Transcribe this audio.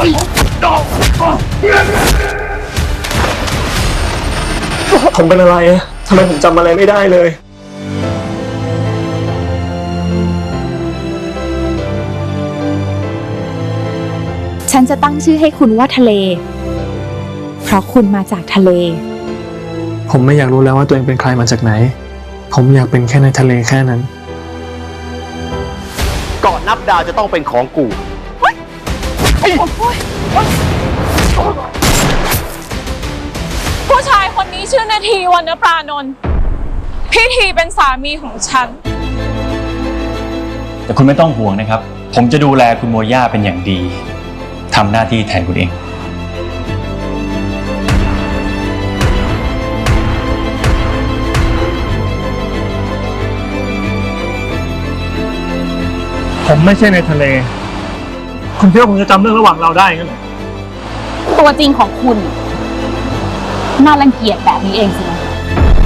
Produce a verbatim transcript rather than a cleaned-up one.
ผมเป็นอะไรทำไมผมจำอะไรไม่ได้เลยฉันจะตั้งชื่อให้คุณว่าทะเลเพราะคุณมาจากทะเลผมไม่อยากรู้แล้วว่าตัวเองเป็นใครมาจากไหนผมอยากเป็นแค่ในทะเลแค่นั้นเกาะนับดาวจะต้องเป็นของกูผู้ชายคนนี้ชื่อนาทีวรรณปรานนท์พี่ทีเป็นสามีของฉันแต่คุณไม่ต้องห่วงนะครับผมจะดูแลคุณโมย่าเป็นอย่างดีทำหน้าที่แทนคุณเองผมไม่ใช่ในทะเลคุณคิดว่าผมจะจำเรื่องระหว่างเราได้งั้นเหรอตัวจริงของคุณน่ารังเกียจแบบนี้เองสินะ